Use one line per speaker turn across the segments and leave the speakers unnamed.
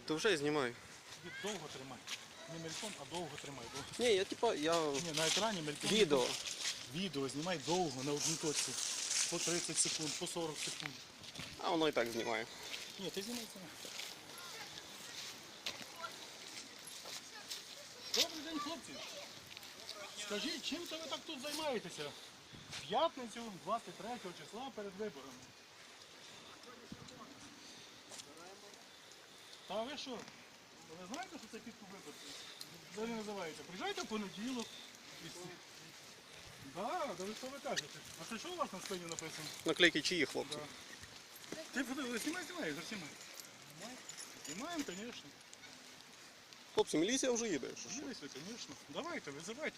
То вже знімаю.
Довго тримай. Не мельком, а довго тримай.
Ні, я типа,
Ні, на екрані мельком.
Відео.
Відео знімай довго, на одній точці. По 30 секунд, по 40 секунд.
А воно і так знімає.
Ні, ти знімай це. Добрий день, хлопці. Скажіть, чим це ви так тут займаєтеся? В п'ятницю, 23 числа перед виборами. Та ви що? Ви знаєте, що це підкуп виборців? Взагалі називається. Приїжджайте в понеділок. Так, да ви що ви кажете? А це що у вас на спині написано?
Наклейки чиї, хлопці?
Ти знімай, заснімай. Знімаємо, звісно.
Хлопці, міліція вже їде.
Міліція, звісно. Давайте, визивайте.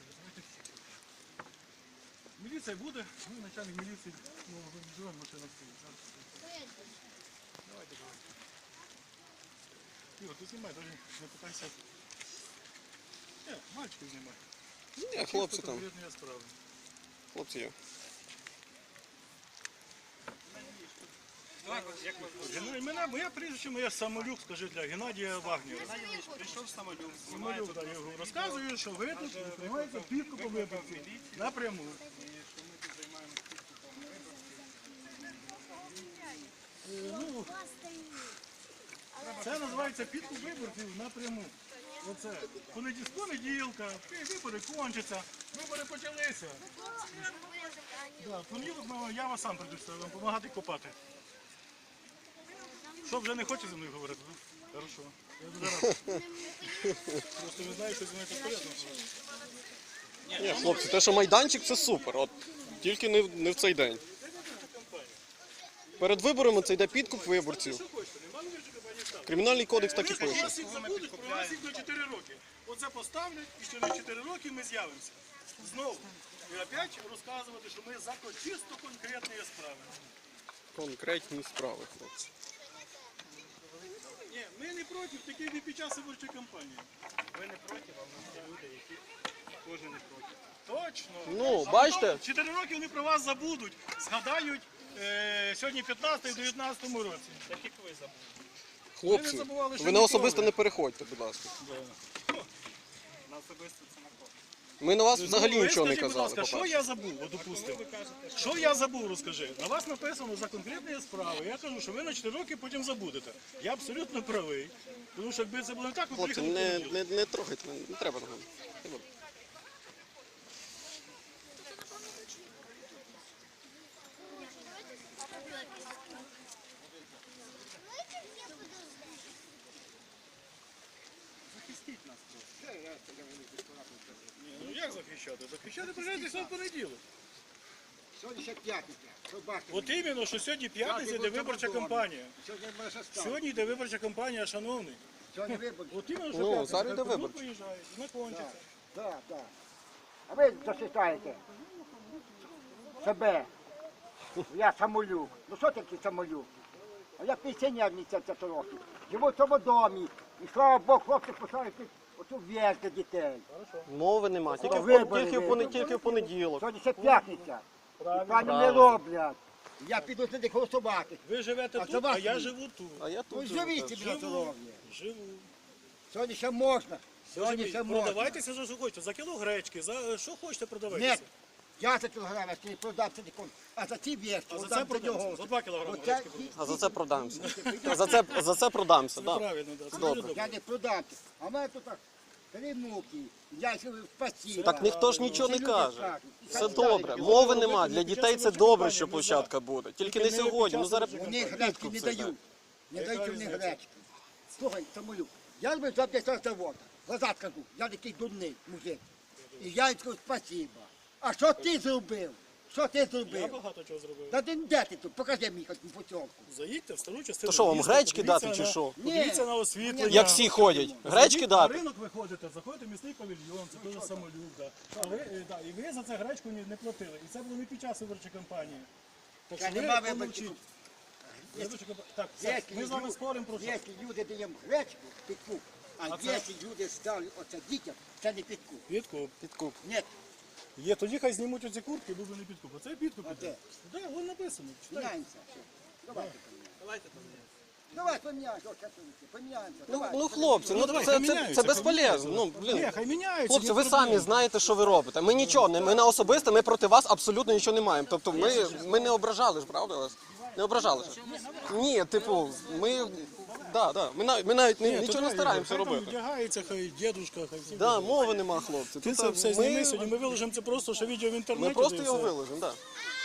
Міліція буде, ми начальник міліції, ну, живемо, машина стоїть. Давайте. Ігор, ти знімай, навіть не питайся. Ні, мальчиків знімай.
Ні, хлопці там.
Конкретні справи.
Хлопці є.
Моє прізвище, моє Самолюк, скажи, для Геннадія Вагнєра.
Прийшов Самолюк.
Самолюк, да, я його розказую, що ви тут приймаєте підкупу виборців напряму. Ну, це називається підкуп виборців напряму. Оце. З понеділка, вибори кончаться, вибори почалися. Да, в понеділок я вас сам прийду, вам допомагати копати. Що, вже не хочете зі мною говорити? Хорошо. Я дуже радий. Просто ви знаєте, що зі мною так порядно.
Ні, хлопці, те, що майданчик, це супер. От, тільки не в цей день. Перед виборами це йде підкуп виборців. Кримінальний кодекс так і
Якщо
пише.
вас їх забудуть, про вас їх на 4 роки. Оце поставлять і ще на 4 роки ми з'явимося. Знову. І опять розказувати, що ми за чисто конкретні справи.
Конкретні справи, хлопці.
Ні, ми не проти, такі не під час виборчої кампанії.
Ви не проти, а в нас є люди, які теж не проти.
Точно.
Ну,
А
бачите?
потім 4 роки вони про вас забудуть, згадають сьогодні 15 і 19 році.
Так як ви забули.
Хлопці,
забували, що
ви на
ми
особисто
крови.
не переходьте, будь ласка.
На особисто це на кого?
Ми на вас взагалі
Ви
нічого не
скажіть, будь
казали,
ласка, що
по-перше.
я забув, от, допустимо? Що я забув, розкажи. На вас написано за конкретні справи. Я кажу, що ви на 4 роки потім забудете. Я абсолютно правий. Тому що якби це було не так, ви
Хлопці,
приїхали в понеділок.
не трогайте, не треба того.
Захистіть нас просто.
Ну як захищати? Захищати приїжджайте в понеділок.
Сьогодні ще п'ятниця. Що бачите?
От іменно, що сьогодні п'ятниця йде виборча кампанія.
Сьогодні буде ще стало.
Сьогодні йде виборча кампанія, шановний.
Сьогодні вибори.
От іменно, що
Ну,
п'ятниця.
зараз йде
Хай
виборча.
приїжджають, закончиться.
Так, так. А ви зачитаєте себе. Я Самолюк. Ну що таке Самолюк? А я пенсіонер мені 70 років. Живу в цьому домі. І слава Богу, хлопці поставили оцю в'їзд для дітей.
Мови нема, тільки
Вибори,
тільки в понеділок.
Сьогодні ще п'ятниця. І пані не
Правильно.
роблять. Я піду туди голосувати.
Ви живете
А це
тут, а
вас
я
ні.
живу тут.
А я
Ну
тут.
живіть собі на здоров'я.
Живу.
Сьогодні ще можна. Сьогодні ще можна.
Продавайтеся за що хочете. За кіло гречки, за що хочете
Ні,
продавайтеся.
я за кілограм, я не продам це ніколи. А за ці вещи,
А за це продамся. За 2 кілограми
Оце
гречки продам.
А за це продамся. За це продамся,
Це
так.
правильно, так. Це
Добре.
дуже добре.
я не продам. А в мене тут так 3 муки. Я ще спасибо.
Так ніхто ж нічого не
Ці люди
каже.
скажуть.
Все добре. Мови нема. Для дітей це добре, що площадка буде. Тільки не сьогодні. Ну зараз
Вони гречки не дають. Не дають мені гречки. Слухай, Самолюк, я люблю за 50 завода. Глаза скажу, я такий дурний мужик. І я їм скажу спасибо. А що ти зробив? Що ти
Я
зробив?
багато чого зробив.
Та ти де ти тут? Покажи мені хоч путівку.
Заїдьте в стару частину.
То що, вам
міста,
гречки
подивіться
дати чи
на-
що?
Подивіться на освітлення.
як всі ходять. Гречки
На
дати?
ринок виходите, заходите в місний павільйон, це дуже Самолюк. Да. І ви за це гречку не платили. І це було не під час виборчої кампанії. Так
Та
що
нема
ви
виборчих.
помовчіть. Так, все, ми з вами споримо про що.
Якщо люди даємо гречку, підкуп, а
А це?
якщо люди ставлять оце дітям, це не підкуп.
Підкуп.
Підкуп.
Ні,
Є, тоді хай знімуть оці куртки, був би не підкуп. Оце підкуп
А
іде.
де?
Так, воно написано. Читайте.
міняємося. Давайте.
Давайте поміняємо.
Давай поміняємося, ось касунки, поміняємося.
Ну,
Давай.
ну хлопці, ну
давай,
це
хай міняються,
безполезно. Ну,
Ні,
блін.
хай міняються.
Хлопці,
ні
ви
проблем.
самі знаєте, що ви робите. Ми нічого, ми на особисте, ми проти вас абсолютно нічого не маємо. Тобто ми не ображали ж, правда вас? Не ображали ж? Ні, типу, ми навіть
Ні,
нічого
то
не
дай,
стараємося
хай там
робити.
Вдягається, хай дідушка, хай всі.
Да, мови нема, хлопці.
Ти це
Тобто
все зніми сьогодні, ми виложимо це просто, що відео в інтернеті.
Ми просто
та й
його
все.
виложимо, так.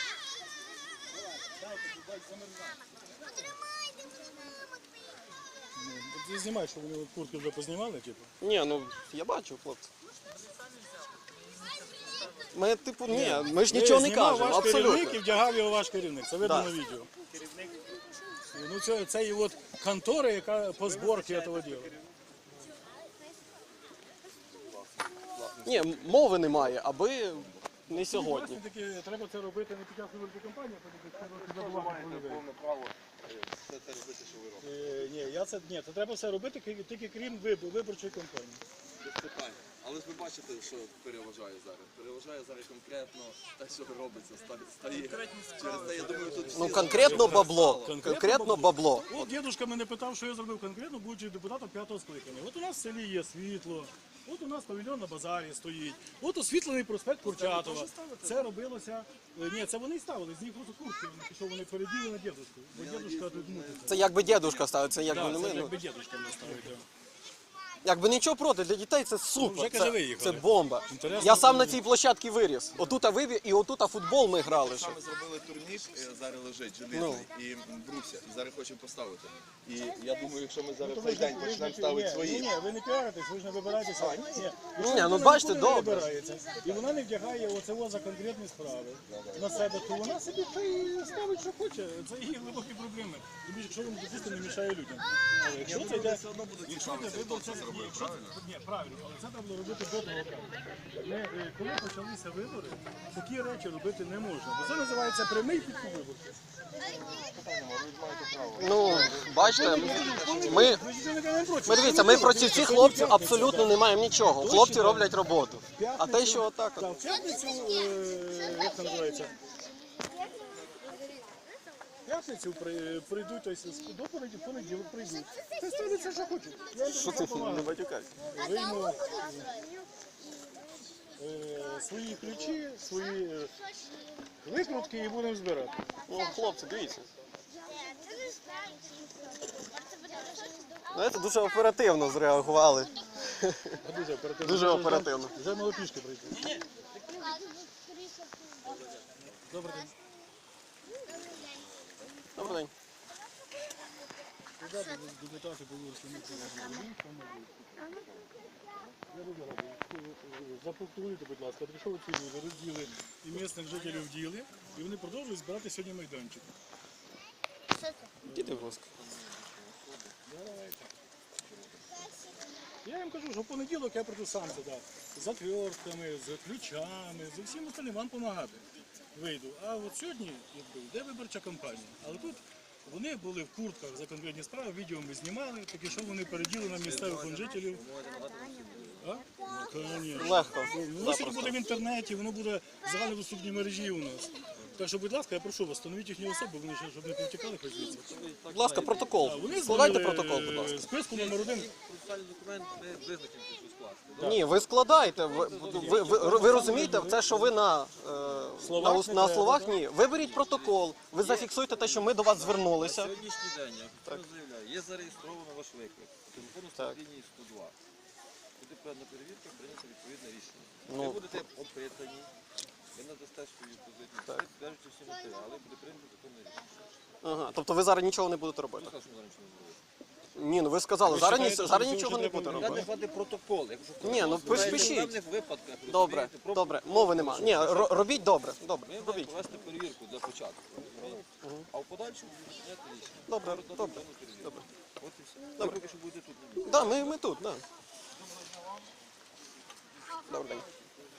Ти знімай, що вони куртки вже познімали, типу.
Ні, ну я бачу, хлопці. Ми, типу, ні, ми ж нічого не
Знімав
кажемо,
ваш керівник і
абсолютно.
вдягав його ваш керівник. Це видно
Да.
на відео. Ну це і от контора, яка по зборці цього діла.
Ні, мови немає, аби не сьогодні.
Власне таки, треба це робити не під час виборчої кампанії, а тоді треба забувати про людей.
право все це робити, що ви робите.
Ні, це треба все робити тільки крім виборчої кампанії.
Без питань. Але ж ви бачите, що переважає зараз. Переважає зараз конкретно те, що робиться, стає. Через те, я думаю, тут всі
Ну конкретно бабло.
Конкретно
Конкретно бабло.
От дідусь мене питав, що я зробив конкретно, будучи депутатом 5-го скликання. От у нас в селі є світло, от у нас павільйон на базарі стоїть, от освітлений проспект Курчатова. Це робилося. Ні, це вони ставили, з них просто куртки, що вони переділи на дідушку. Бо дідушка тут мутиться.
Це якби дідушка ставить, це якби не
Так,
ми.
це
Ну,
якби дідушка не ставить.
якби нічого проти, для дітей це
Вже,
супер.
каже,
Це,
виїхали.
це бомба.
Інтересно,
Я сам на цій площадці виріс. Отута вибіг і отута футбол ми грали. ще.
Ми зробили турнір, зараз лежить желізний, і бруся, і зараз хочемо поставити. І я думаю, якщо ми зараз цей день почнемо ставити свої.
Ні, ви не піаритесь, ви ж не вибираєтеся.
Ні, ну бачите,
нікуди не
добре.
вибирається. І вона не вдягає оце за конкретні справи на себе, то вона собі хай ставить, що хоче. Це її глибокі проблеми. Тобі, якщо вони дійсно не мішає людям. Але якщо це йде, якщо це виборця, ні, правильно, але це треба було робити до того. Коли почалися вибори, такі речі робити не можна. Бо це називається прямий підкуп виборців.
Ну, бачите, ми
Ми ж нічого не кажемо проти.
дивіться, ми проти цих хлопців абсолютно не маємо нічого. Хлопці роблять роботу. А те, що отак.
Так, в п'ятницю, як це називається? В п'ятницю прийдуть, тобто до понеділок прийдуть. Це ставиться, що хочуть. Я їм
Що
дуже
ти не
допомагаю.
батюкайся?
Вийму свої ключі, свої викрутки і будемо збирати.
Ну, хлопці, дивіться. Знаєте, дуже оперативно зреагували.
Дуже оперативно.
Дуже оперативно.
Вже малопішки прийти. Добрий день.
Добрий день.
Депутати були, що ми запроектуйте, будь ласка, прийшов ці люди, розділи і місцевих жителів діли, і вони продовжують збирати сьогодні майданчик.
Діти, будь ласка.
Я їм кажу, що в понеділок я прийду сам туди, з отвертками, з ключами, з усім остальним вам допомагати. Вийду. А от сьогодні йде виборча кампанія. Але тут вони були в куртках за конкретні справи, відео ми знімали, таке, що вони переділи на місцевих жителів. А? Конечно.
Легко.
Воно сьогодні буде в інтернеті, воно буде в загальнодоступній мережі у нас. Так що, будь ласка, я прошу вас, встановіть їхні особи, вони ще, щоб не повтікали хоч звідси.
Будь ласка, протокол.
Вони
Складайте
зробили,
протокол, будь ласка.
Списку номер 1.
Процесуальний документ ми визначимо, що скласти.
Ні, ви складайте. Ви розумієте, це, що ви на
Словах не
на
треба,
словах, ні. Виберіть протокол, ви зафіксуйте те, що ми до вас звернулися.
Сьогоднішній день, я офіційно заявляю, є зареєстровано ваш виклик. По телефону
Так.
лінії 102. Буде певна перевірка, прийнято відповідне рішення.
Ну.
Ви будете опитані, ви надасте свою позицію, підтверджуєте всі матеріали, буде прийнято законне рішення.
Ага, тобто ви зараз нічого не будете робити.
Що ми зараз нічого не зробимо?
Ні, ну ви сказали, зараз,
вважаєте,
зараз
що
нічого
цього
не
треба
буде
Я не
робити.
хватить протокол. Якщо
Ні, ну
в
пишіть.
певних випадках,
Добре,
розумієте,
добре, мови нема. Ні, робіть добре, добре,
ми маємо
робіть.
провести перевірку для початку. розумієте? А в подальшому прийняти рішення.
Добре,
Дати
добре,
певну перевірку.
добре.
От і все. Ви поки що будете тут.
Да, ми тут, да. Добрий день.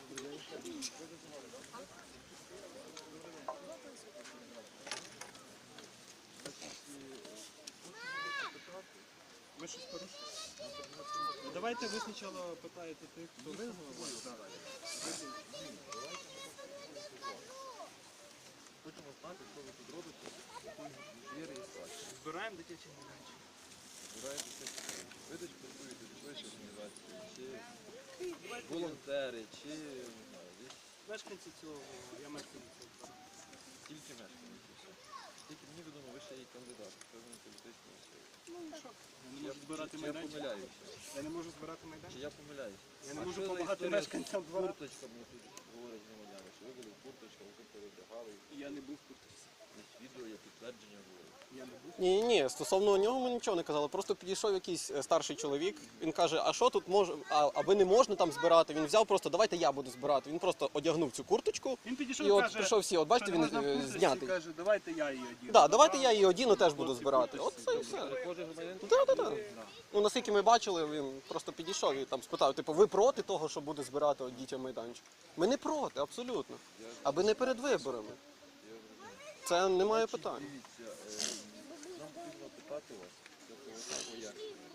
Ми щось порушили? Давайте ви спочатку питаєте тих, хто визвав.
Хочемо знати, що ви тут робите, є реєстрація.
Збираємо дитячі майданчики.
Збираєте все. Ви десь працюєте в якоїсь організації, чи волонтери, чи не знаю, десь
Мешканці цього, я мешканець цього.
тільки мешканці. все. Тільки мені відомо, ви ще є кандидат, певно, політичної сили.
Я не можу збирати
Чи я
майданчик.
помиляюся?
Я не можу збирати
Чи
майданчик.
я помиляюся?
Я не
А
можу
що за
допомагати
історія з
мешканцям двора.
курточками тут говорять громадяни, що ви були в курточках, ви перевдягали,
Я не був в куртці.
є відео, є підтвердження говорять.
Я не був.
Ні, стосовно нього ми нічого не казали. Просто підійшов якийсь старший чоловік. Він каже, а що тут може, а ви не можна там збирати? Він взяв просто, давайте я буду збирати. Він просто одягнув цю курточку.
Він підійшов
І
і
от
каже,
прийшов всі, от бачите,
що не можна в
він
курточці,
знятий.
каже, давайте я її одіну.
Так, давайте я її одіну, теж буду збирати. От це і все.
Кожен громадянин
Так. Ну, наскільки ми бачили, він просто підійшов і там спитав, типу, ви проти того, що буде збирати от дітям майданчик? Ми не проти, абсолютно. Аби не перед виборами. Це немає питань.
дивіться, нам потрібно питати вас, тобто як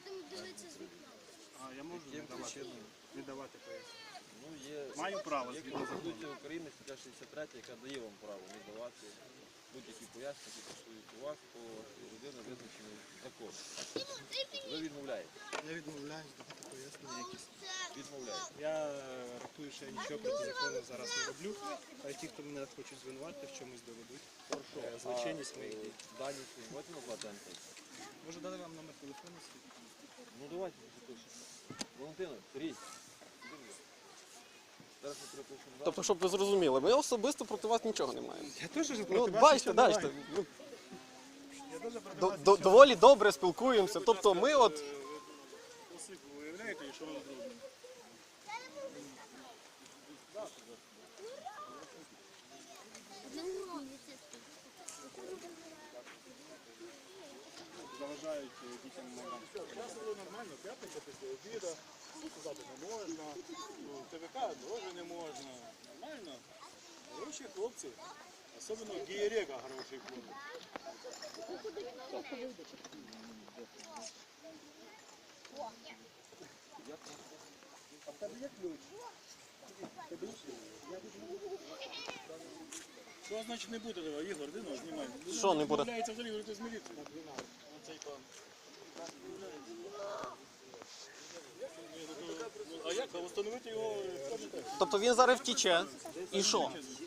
А я можу
яким причинам.
не давати пояснення.
Ну, є,
Маю право,
є
згідно
Конституція України, стаття 63, яка дає вам право не давати будь-які пояснення, які стосують вас по людини, визначений законом. Ви відмовляєте.
Я відмовляюсь давати пояснення якісь.
Відмовляєте.
Я рахую, що я нічого проти закону зараз не роблю. А ті, хто мене хочуть звинуватити, в чомусь доведуть. Злочинність моїх дій.
Дані свої можете назвати Антон?
Можу дати вам номер телефону свій?
Ну давайте запишемо. Валентина, Сергій. Зараз ми перепишемо.
Тобто, щоб ви зрозуміли, ми особисто проти вас нічого не маємо.
Я теж проти
Ну,
вас
бачите,
нічого не
бачите,
маю.
ну,
Я теж проти вас
доволі добре спілкуємося. Тобто ми от
Осип, ви уявляєте, що ви зробили? Заважають дітям майданчик. Зараз було нормально, п'ятниця після обіду, сказати не можна, ну, ТВК теж не можна. Нормально. Хороші хлопці, особливо Гієрека хороший хлопець. Що значить не буде, давай, Ігор, де нож, знімай.
Що не буде?
Відмовляється взагалі говорити з міліцією. Оцей пан. А як? А встановити його хто не так?
тобто він зараз втіче. І що?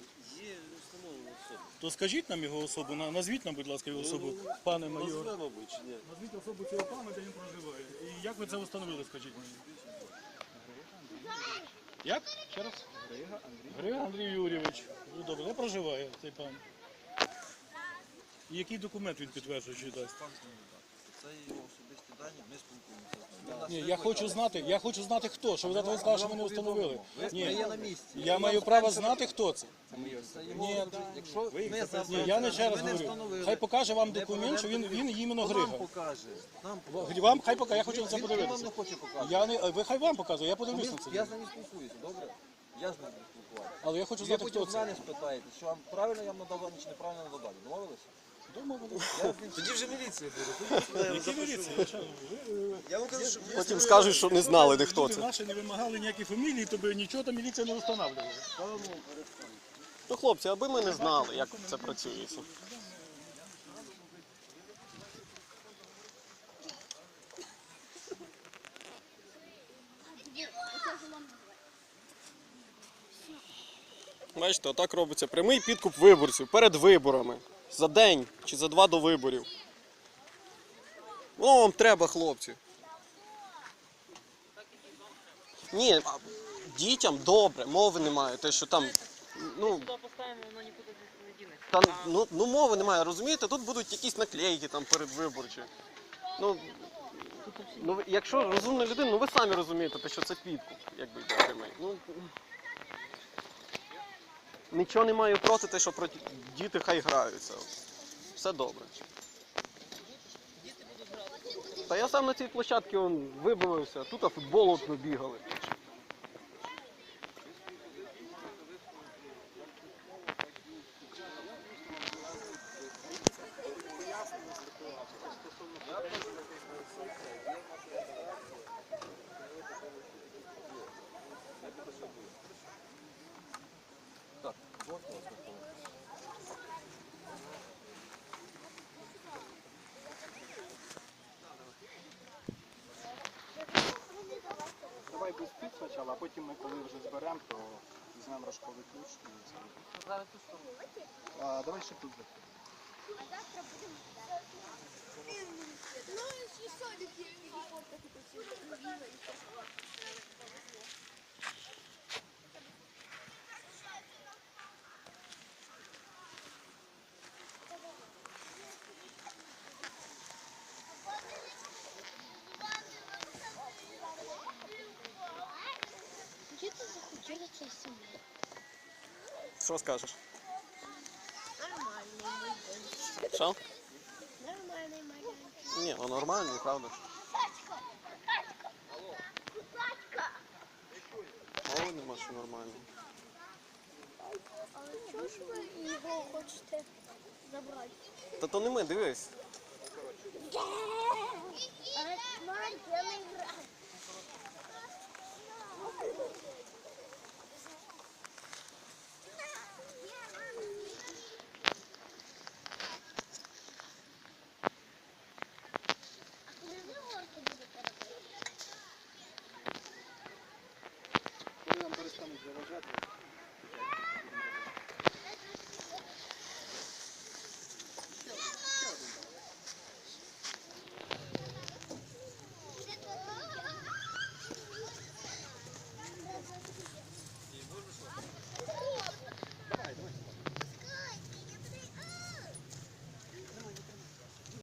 То скажіть нам його особу, назвіть нам, будь ласка, його особу, пане майор. Назвіть особу цього пана, де він проживає. І як ви це встановили, скажіть мені? Як? Ще раз? Грига Андрій Юрійович. Ну, добре, де проживає цей пан? І який документ він підтверджує, чи дасть?
Це його особисті дані, ми спілкуємося.
Ні, я хочу знати хто, що ви завтра сказали, що ми не встановили.
Ви є на місці.
Я маю право знати, хто це.
Це його, якщо ми
Ні,
за
я не ще раз
ви не
говорю.
встановили.
Хай покаже вам документ, що він іменно
Нам
Грига.
покаже. Нам
Вам хай покаже, я хочу на це
Він вам
подивитися.
не хоче показати.
Я не, ви хай вам показує, я подивлюсь на це.
Я з ним спілкуюся, добре? Я з ним спілкуваюся.
Але я хочу
Ви
знати, хто
потім з
це.
мене спитаєте, що вам правильно я вам надав чи неправильно надав дані. Домовилися? Тоді вже міліція буде.
Які міліції?
Я вам кажу, що
Потім скажуть, що не знали, де хто
Люди
це.
наші не вимагали ніякі фамілії, то би нічого там міліція не встановлювала.
Ну, хлопці, аби ми не знали, як це працює. Бачите, отак робиться прямий підкуп виборців перед виборами. За день чи за два до виборів. Воно вам треба, хлопці. Ні, дітям добре, мови немає. Те, що там, ну, та, ну мови немає, розумієте? Тут будуть якісь наклейки там передвиборчі. Ну, якщо розумна людина, ну ви самі розумієте, те, що це підкуп, якби йде прямий. Ну, нічого не маю проти те, що проти діти хай граються. Все добре. Та я сам на цій площадці вибивався, тут футбол от ми бігали.
без спів спочатку, а потім ми, коли вже зберемо, то візьмемо рожковий ключ і зробимо. Давай ще тут.
А завтра будемо гуляти. Ну, і садик є фотки посилити. Где ты захотела цей сім'ї?
Що скажеш?
Нормальний майданчик.
Що?
Нормальний майданчик.
Ні, ну нормальний, правда ж. О, нема що нормально.
Але чого ж ви його хочете забрати?
Та то не ми, дивись.
Мать, я не